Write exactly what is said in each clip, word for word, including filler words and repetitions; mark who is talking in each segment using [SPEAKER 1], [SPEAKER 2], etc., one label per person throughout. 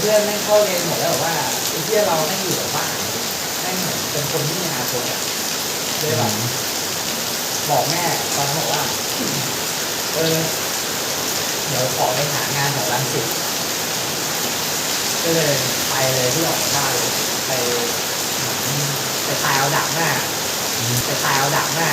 [SPEAKER 1] พื่อนๆแม่งเข้าเรียนหมดแล้วแบบว่าไอ้เพื่อนเราแม่งอยู่แบบบ้านแม่งเหมือนเป็นคนที่มีอนาคตอะเลยแบบบอกแม่ตอนนั้นบอกว่าเออเดี๋ยวขอไปหางานแถวรังสิตก็เลยไปเลยที่ออกจากบ้านเลยไปไปตายเอาดักหน้าไปตายเอาดักหน้า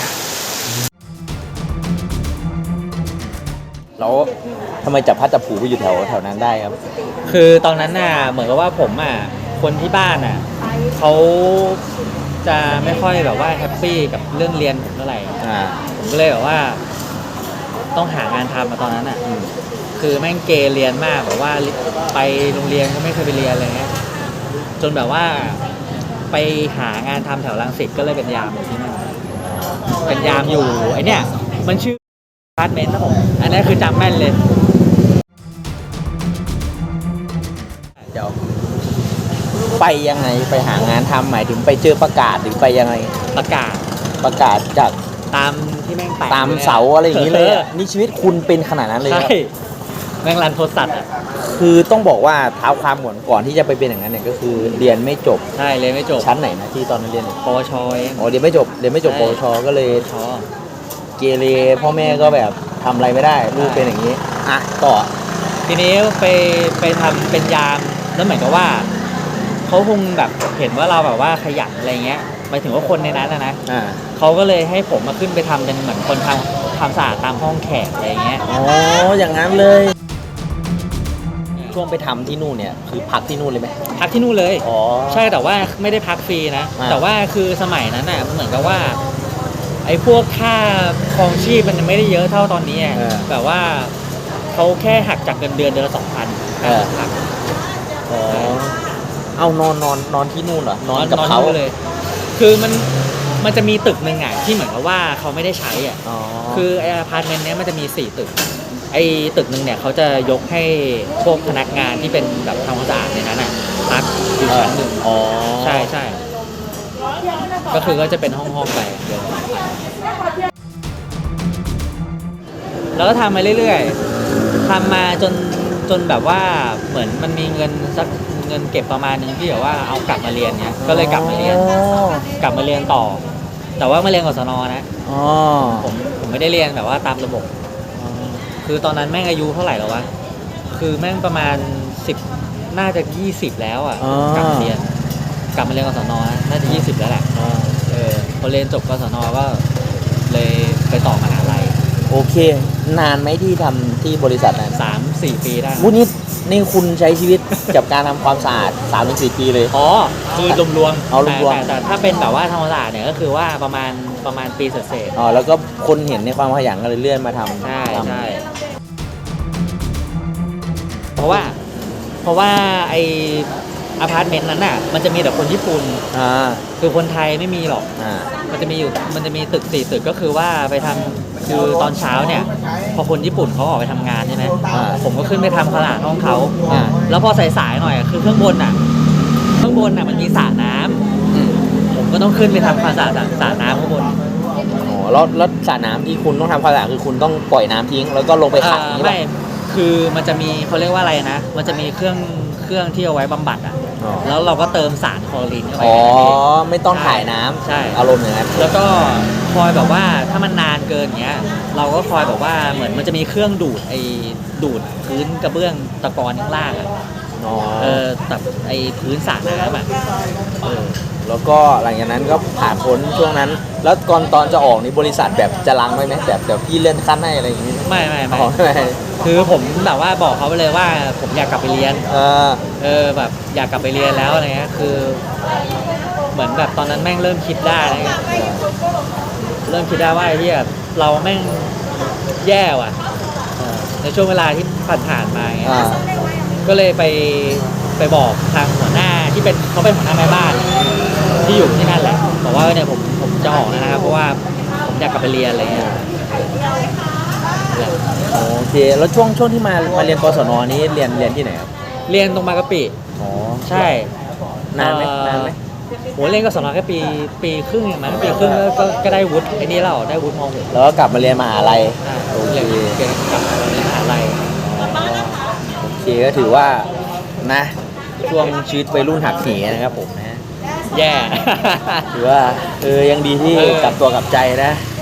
[SPEAKER 2] แล้วทำไมจับพัดจับผูไปอยู่แถวแถวนั้นได้ครับ
[SPEAKER 3] คือตอนนั้นน่ะเหมือนกับว่าผมอ่ะคนที่บ้านอ่ะเขาจะไม่ค่อยแบบว่าแฮปปี้กับเรื่องเรียนผมเท่าไหร่อ่าผมก็เลยแบบว่าต้องหางานทำมาตอนนั้นอ่ะคือแม่งเกเรียนมากแบบว่าไปโรงเรียนก็ไม่เคยไปเรียนอะไรเงี้ยจนแบบว่าไปหางานทำแถวรังสิตก็เลยเป็นยามอยู่ที่นั่นเป็นยามอยู่ไอเนี้ยมันชื่ออพาร์ตเมนต์นะผมอันนี้คือจำแม่นเลย
[SPEAKER 2] เดี๋ยวไปยังไงไปหางานทำหมายถึงไปเจอประกาศหรือไปยังไง
[SPEAKER 3] ประกาศ
[SPEAKER 2] ประกาศจาก
[SPEAKER 3] ตามที่แม่งแปะ
[SPEAKER 2] ตามเสาอะไรอย่างนี้เลยนี่ชีวิตคุณเป็นขนาดนั้นเลย
[SPEAKER 3] ใช่แม่งรันโทรศัพท์อ่ะ
[SPEAKER 2] คือต้องบอกว่าเท้าความก่อนก่อนที่จะไปเป็นอย่างนั้นเนี่ยก็คือเรียนไม่จบ
[SPEAKER 3] ใช่เรียนไม่จบ
[SPEAKER 2] ชั้นไหนนะที่ตอนนั้นเรียน
[SPEAKER 3] ปวชเอง
[SPEAKER 2] อ๋อเรียนไม่จบเรียนไม่จบปวชก็เลยเกเรพ่อแม่ก็แบบทำอะไรไม่ได้ลูกเป็นอย่างนี้อ่ะต่อ
[SPEAKER 3] ทีนี้ไปไปทำเป็นยามแล้วเหมือนกับว่าเขาคงแบบเห็นว่าเราแบบว่าขยันอะไรเงี้ยหมายถึงว่าคนในนั้นนะนะเขาก็เลยให้ผมมาขึ้นไปทำเป็นเหมือนคนทำทำสะอาดตามห้องแขกอะไรเงี้ย
[SPEAKER 2] อ๋ออย่างนั้นเลยช่วงไปทำที่นู่นเนี่ยคือพักที่นู่นเลยไหม
[SPEAKER 3] พักที่นู่นเลย
[SPEAKER 2] อ๋อ
[SPEAKER 3] ใช่แต่ว่าไม่ได้พักฟรีนะแต่ว่าคือสมัยนั้นน่ะเหมือนกับว่าไอ้พวกค่าครองชีพมันไม่ได้เยอะเท่าตอนนี้แบบว่าเขาแค่หักจากเงินเดือนเดือนละสองพันหัก
[SPEAKER 2] อ๋อเอานอนนอนนอนที่นู่นเหรอนอนกับเขา
[SPEAKER 3] เลยคือมันมันจะมีตึกนึงอ่ะที่เหมือนกับว่าเขาไม่ได้ใช้อ่ะคือไออพาร์ตเมนต์เนี้ยมันจะมีสี่ตึกไอตึกนึงเนี่ยเขาจะยกให้พวกพนักงานที่เป็นแบบทำความสะอาดในนั้นอ่ะพักอยู่ชั้นหนึ่งอ๋อใช่ใช่ก็คือก็จะเป็นห้องห้องไปเดี๋ยวแล้วก็ทำมาเรื่อยๆทำมาจนจนแบบว่าเหมือนมันมีเงินสักเงินเก็บประมาณนึงที่แบบว่าเอากลับมาเรียนเนี่ยก็เลยกลับมาเรียนกลับมาเรียนต่อแต่ว่ามาเรียนกศนนะอ๋อผมผมไม่ได้เรียนแบบว่าตามระบบคือตอนนั้นแม่งอายุเท่าไหร่แล้ววะคือแม่งประมาณสิบน่าจะยี่สิบแล้วอ่ะกลับมาเรียนกลับมาเรียนกศนนะน่าจะยี่สิบแล้วแหละเออพอเรียนจบกศนก็เลยไปต่อมหาลัย
[SPEAKER 2] โอเคนานไหมที่ทำที่บริษัทนั้น
[SPEAKER 3] สามสี่ปีได้
[SPEAKER 2] วุ้นี่นี่คุณใช้ชีวิตกับการทำความสะอาดสามถึงสี่ปีเลย
[SPEAKER 3] อ๋อคือรวมๆ
[SPEAKER 2] เอารวม
[SPEAKER 3] แต่ถ้าเป็นแบบว่าทำความสะอาดเนี่ยก็คือว่าประมาณประมาณปีเศษ
[SPEAKER 2] อ๋อแล้วก็คนเห็นในความขยันก็เลยเลื่อนมาทำ
[SPEAKER 3] ใช่ใช่เพราะว่าเพราะว่าไออพาร์ตเมนต์นั้นน่ะมันจะมีแต่คนญี่ปุ่นอ่าคือคนไทยไม่มีหรอกอ่ามันจะมีอยู่มันจะมีตึกสี่ตึกก็คือว่าไปทำคือตอนเช้าเนี่ยพอคนญี่ปุ่นเขาออกไปทำงานใช่ไหมผมก็ขึ้นไปทำความสะอาดห้องเขาแล้วพอสายๆหน่อยคือเครื่องบนอ่ะข้างบนอ่ะมันมีสระน้ำผมก็ต้องขึ้นไปทำความสะอาดสระน้ำข้างบน
[SPEAKER 2] อ๋อแล้วแล้วสระน้ำที่คุณต้องทำความสะอาดคือคุณต้องปล่อยน้ำทิ้งแล้วก็ลงไปขังนี่
[SPEAKER 3] ไม่คือมันจะมีเขาเรียกว่าอะไรนะมันจะมีเครื่องเครื่องที่เอาไว้บำบัดอ่ะแล้วเราก็เติมสารคลอรีนเข้าไป
[SPEAKER 2] อ๋อไม่ต้องถ่ายน้ำ
[SPEAKER 3] ใช่
[SPEAKER 2] อารมณ์อย่างนั้น
[SPEAKER 3] แล้วก็คอยแบบว่าถ้ามันนานเกินเงี้ยเราก็คอยแบบว่าเหมือนมันจะมีเครื่องดูดไอ้ดูดพื้นกระเบื้องตะกอนข้างล่างอ่ะเออแบบไอ้พื้นสระน้ำอ่ะ
[SPEAKER 2] เออแล้วก็หลังจากนั้นก็ผ่านพ้นช่วงนั้นแล้วก่อนตอนจะออกนี่บริษัทแบบจะลังไหมไหมแบบเดี๋ยวพี่เลื่อนขั้นให้อะไรอย่างนี้
[SPEAKER 3] ไม่ไม่ไม่คือผมแบบว่าบอกเขาไปเลยว่าผมอยากกลับไปเรียนเออเออแบบอยากกลับไปเรียนแล้วอะไรเงี้ยคือเหมือนแบบตอนนั้นแม่งเริ่มคิดได้อะไรเงี้ยเริ่มคิดได้ว่าไอ้ที่แบบเราแม่งแย่ว่ะในช่วงเวลาที่ผ่านๆมาเงี้ยก็เลยไปไปบอกทางหัวหน้าที่เป็นเขาเป็นหัวหน้าแม่บ้านที่อยู่ที่นั่นแหละบอกว่าเนี่ยผมผมจะออกแล้วนะครับเพราะว่าผมอยากกลับไปเรียนอะไรเงี้ย
[SPEAKER 2] โอเคแล้วช่วงช่วงที่มามาเรียนกศนนี้เรียนเรียนที่ไหนครับ
[SPEAKER 3] เรียนตรงบางกะปิ
[SPEAKER 2] อ๋อ
[SPEAKER 3] ใช่
[SPEAKER 2] นานไหมนานไหม
[SPEAKER 3] โหเรียนกศนแค่ปีปีครึ่งอย่างนั้นปีครึ่งก็ก็ได้วุฒิไอ้นี่แล้วได้วุฒิม .หก
[SPEAKER 2] แล้วก็กลับมาเรียนมหาลัย
[SPEAKER 3] โอเคกลับมาเรียนมหาลัย
[SPEAKER 2] โอเคก็ถือว่านะช่วงชีวิตวัยรุ่นหักเหนะครับผมนะ
[SPEAKER 3] แย่
[SPEAKER 2] ถือว่าเออยังดีที่
[SPEAKER 3] เออ
[SPEAKER 2] กลับตัวกลับใจนะ